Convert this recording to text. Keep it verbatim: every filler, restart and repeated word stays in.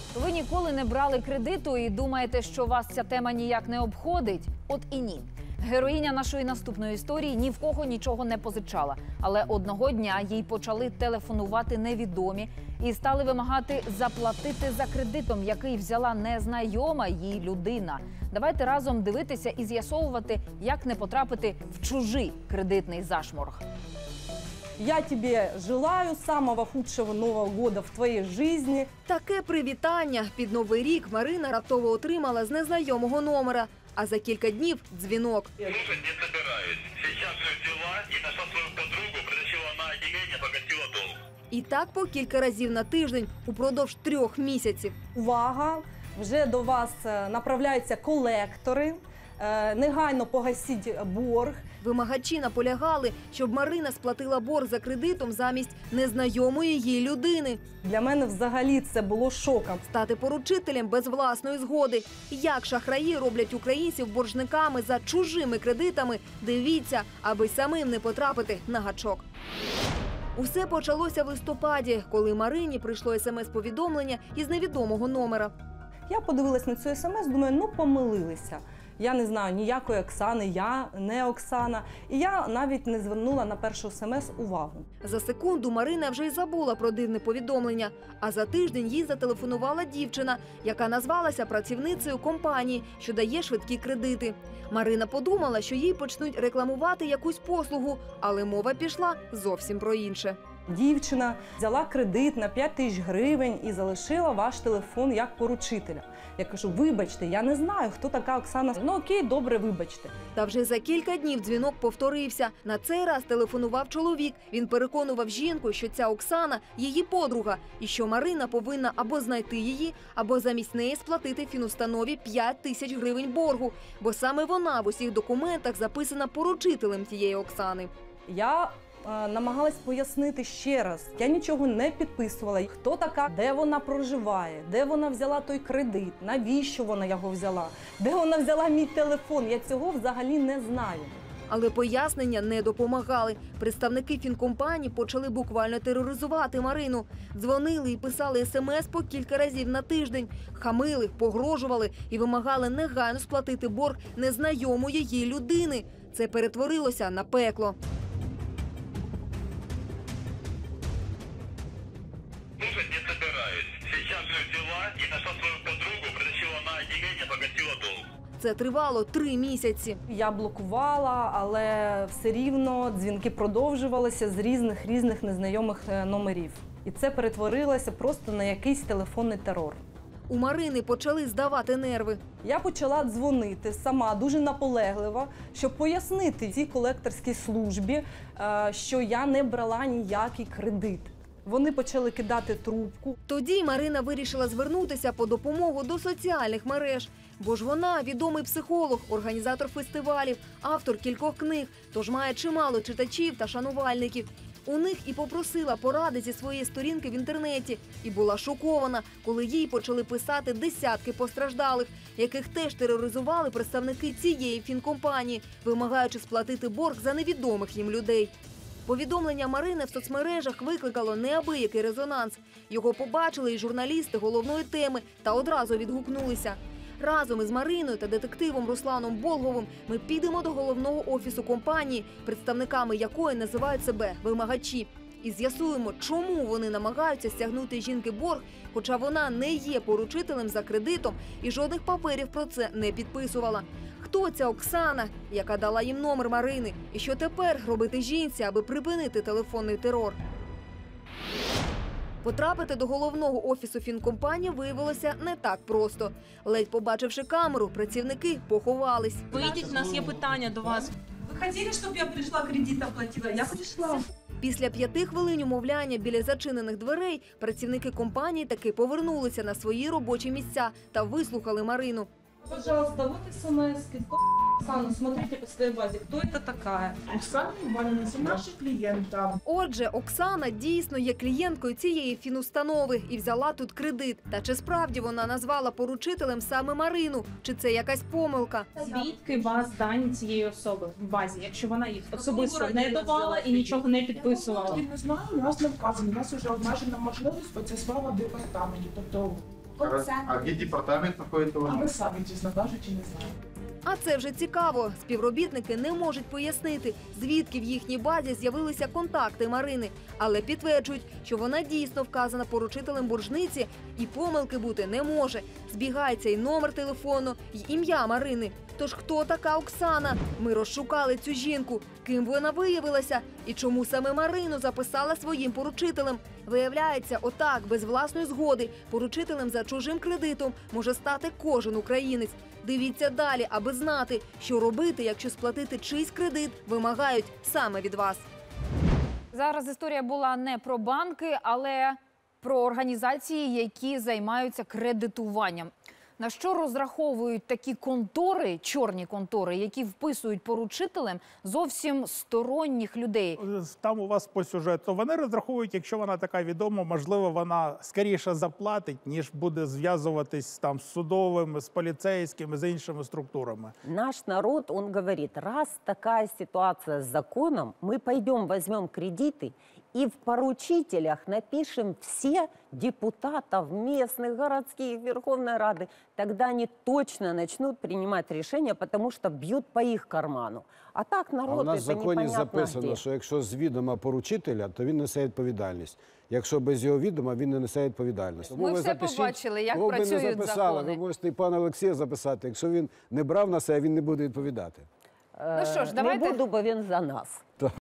Ви ніколи не брали кредиту і думаєте, що вас ця тема ніяк не обходить? От і ні. Героїня нашої наступної історії ні в кого нічого не позичала. Але одного дня їй почали телефонувати невідомі і стали вимагати заплатити за кредитом, який взяла незнайома їй людина. Давайте разом дивитися і з'ясовувати, як не потрапити в чужий кредитний зашморг. Я тебе желаю самого худшего Нового года в твоей жизни. Таке привітання під Новий рік Марина раптово отримала з незнайомого номера. А за кілька днів дзвінок. Слушать не собираюсь. Сейчас все взяла и нашла свою подругу, притащила на отделение, погасила долг. І так по кілька разів на тиждень упродовж трьох місяців. Увага! Вже до вас направляються колектори. Негайно погасіть борг. Вимагачі наполягали, щоб Марина сплатила борг за кредитом замість незнайомої їй людини. Для мене взагалі це було шоком. Стати поручителем без власної згоди. Як шахраї роблять українців боржниками за чужими кредитами, дивіться, аби самим не потрапити на гачок. Усе почалося в листопаді, коли Марині прийшло смс-повідомлення із невідомого номера. Я подивилась на цю смс, думаю, ну помилилися. Я не знаю ніякої Оксани, я не Оксана. І я навіть не звернула на першу смс увагу. За секунду Марина вже й забула про дивне повідомлення. А за тиждень їй зателефонувала дівчина, яка назвалася працівницею компанії, що дає швидкі кредити. Марина подумала, що їй почнуть рекламувати якусь послугу, але мова пішла зовсім про інше. Дівчина взяла кредит на п'ять тисяч гривень і залишила ваш телефон як поручителя. Я кажу, вибачте, я не знаю, хто така Оксана. Ну окей, добре, вибачте. Та вже за кілька днів дзвінок повторився. На цей раз телефонував чоловік. Він переконував жінку, що ця Оксана – її подруга, і що Марина повинна або знайти її, або замість неї сплатити фінустанові п'ять тисяч гривень боргу. Бо саме вона в усіх документах записана поручителем тієї Оксани. Я намагалась пояснити ще раз. Я нічого не підписувала. Хто така, де вона проживає, де вона взяла той кредит, навіщо вона його взяла, де вона взяла мій телефон. Я цього взагалі не знаю. Але пояснення не допомагали. Представники фінкомпанії почали буквально тероризувати Марину. Дзвонили і писали смс по кілька разів на тиждень. Хамили, погрожували і вимагали негайно сплатити борг незнайомої їй людини. Це перетворилося на пекло. Слушать не собираюсь. Сейчас все взяла и нашла свою подругу, притащила на отделение, погасила долг. Це тривало три місяці. Я блокувала, але все рівно дзвінки продовжувалися з різних різних незнайомих номерів. І це перетворилося просто на якийсь телефонний терор. У Марини почали здавати нерви. Я почала дзвонити сама, дуже наполегливо, щоб пояснити цій колекторській службі, що я не брала ніякий кредит. Вони почали кидати трубку. Тоді Марина вирішила звернутися по допомогу до соціальних мереж. Бо ж вона відомий психолог, організатор фестивалів, автор кількох книг, тож має чимало читачів та шанувальників. У них і попросила поради зі своєї сторінки в інтернеті. І була шокована, коли їй почали писати десятки постраждалих, яких теж тероризували представники цієї фінкомпанії, вимагаючи сплатити борг за невідомих їм людей. Повідомлення Марини в соцмережах викликало неабиякий резонанс. Його побачили і журналісти головної теми та одразу відгукнулися. Разом із Мариною та детективом Русланом Болговим ми підемо до головного офісу компанії, представниками якої називають себе вимагачі. І з'ясуємо, чому вони намагаються стягнути жінки борг, хоча вона не є поручителем за кредитом і жодних паперів про це не підписувала. Хто ця Оксана, яка дала їм номер Марини? І що тепер робити жінці, аби припинити телефонний терор? Потрапити до головного офісу фінкомпанії виявилося не так просто. Ледь побачивши камеру, працівники поховались. Вийдіть, у нас є питання до вас. Ви хотіли, щоб я прийшла, кредит оплатила? Я прийшла. Після п'яти хвилин умовляння біля зачинених дверей працівники компанії таки повернулися на свої робочі місця та вислухали Марину. Пожалуйста, вот смс-ки. Оксана, смотрите по своей базе, кто это такая? Оксана Іванівна, це наші клієнти. Отже, Оксана дійсно є клієнткою цієї фінустанови і взяла тут кредит. Та чи справді вона назвала поручителем саме Марину? Чи це якась помилка? Звідки у вас дані цієї особи в базі, якщо вона їх особисто не давала і нічого не підписувала? Я не знаю, у нас не вказано. У нас вже обмежена можливість процесуального департаменту. Тобто А где департамент находится? А ви самі, чесно кажучи, не знаю. А це вже цікаво. Співробітники не можуть пояснити, звідки в їхній базі з'явилися контакти Марини, але підтверджують, що вона дійсно вказана поручителем боржниці і помилки бути не може. Збігається і номер телефону, і ім'я Марини. Тож хто така Оксана? Ми розшукали цю жінку. Ким вона виявилася і чому саме Марину записала своїм поручителем? Виявляється, отак, без власної згоди, поручителем за чужим кредитом може стати кожен українець. Дивіться далі, аби знати, що робити, якщо сплатити чийсь кредит вимагають саме від вас. Зараз історія була не про банки, але про організації, які займаються кредитуванням. На що розраховують такі контори, чорні контори, які вписують поручителем зовсім сторонніх людей? Там у вас по сюжету. Вони розраховують, якщо вона така відома, можливо, вона скоріше заплатить, ніж буде зв'язуватись там з судовими, з поліцейськими, з іншими структурами. Наш народ, он говорит, раз такая ситуация с законом, мы пойдем возьмем кредиты и в поручителях напишем все депутатов местных, городских, Верховной Рады. Тогда они точно начнут принимать решения, потому что бьют по их карману. А так А народ у нас в это законі непонятно записано, где. що якщо з відома поручителя, то він несе відповідальність. Якщо без його відома, він не несе відповідальність. Ми все побачили, як кого б ви не працюють записали, закони. ви можете і пана Олексія записати. Якщо він не брав на себе, він не буде відповідати. Ну що ж, давайте... Не буду, бо він за нас.